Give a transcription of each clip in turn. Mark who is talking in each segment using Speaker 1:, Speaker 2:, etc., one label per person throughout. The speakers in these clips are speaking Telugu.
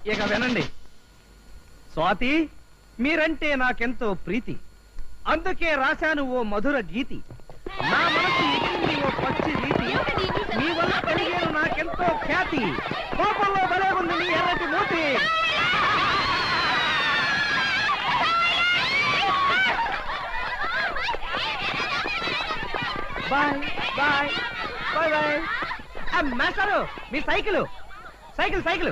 Speaker 1: ఇక వినండి. స్వాతి, మీరంటే నాకెంతో ప్రీతి, అందుకే రాశాను ఓ మధుర గీతి. నా మనసు ఎగిరింది ఓ పచ్చి రీతి, మీ వల్ల కలిగేను నాకెంతో ఖ్యాతి. కోపంలో భలే ఉంది నీ ఎర్రటి మూతి. Bye bye bye bye. మాస్టారు, మీ సైకిల్ సైకిల్ సైకిల్.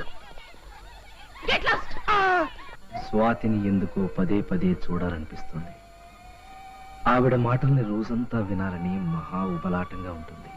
Speaker 1: స్వాతిని ఎందుకో పదే పదే చూడాలనిపిస్తుంది. ఆవిడ మాటల్ని రోజంతా వినాలని మహా ఉబలాటంగా ఉంటుంది.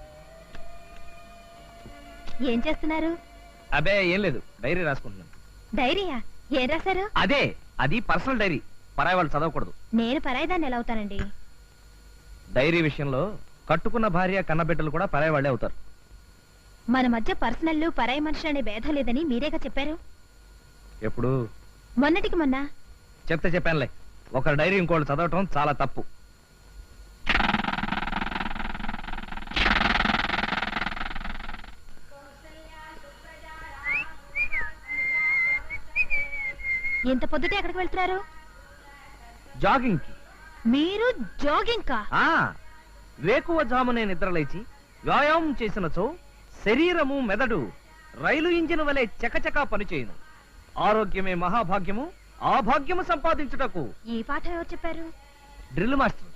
Speaker 2: ఏం చేస్తున్నారు?
Speaker 1: అబే ఏం లేదు, డైరీ రాసుకుంటున్నాను.
Speaker 2: డైరీయా? ఏం రాశారు?
Speaker 1: అదే, అది పర్సనల్ డైరీ, పరాయి వాళ్ళు చదవకూడదు.
Speaker 2: నేను పరాయిదాన్ని ఎలా అవుతానండి?
Speaker 1: డైరీ విషయంలో కట్టుకున్న భార్య కన్నబిడ్డలు కూడా పరాయి వాళ్ళే అవుతారు.
Speaker 2: మన మధ్య పర్సనల్ పరాయి మనుషులు అనే భేదం లేదని మీరేగా చెప్పారు.
Speaker 1: ఎప్పుడు?
Speaker 2: మొన్నటికి మొన్న.
Speaker 1: చెప్తే చెప్పానులే, ఒకరి డైరీ ఇంకోళ్ళు చదవటం చాలా తప్పు.
Speaker 2: ఎంత పొద్దుటే ఎక్కడికి వెళ్తున్నారు?
Speaker 1: జాగింగ్ కి.
Speaker 2: మీరు జాగింగ్ కా?
Speaker 1: వేకువ జామునే నిద్రలేచి వ్యాయామం చేసినచో శరీరము మెదడు రైలు ఇంజిన్ వలె చకచకా పనిచేయును. ఆరోగ్యమే మహాభాగ్యము, ఆ భాగ్యము సంపాదించుటకు.
Speaker 2: ఈ పాఠం ఎవరు చెప్పారు?
Speaker 1: Drill master.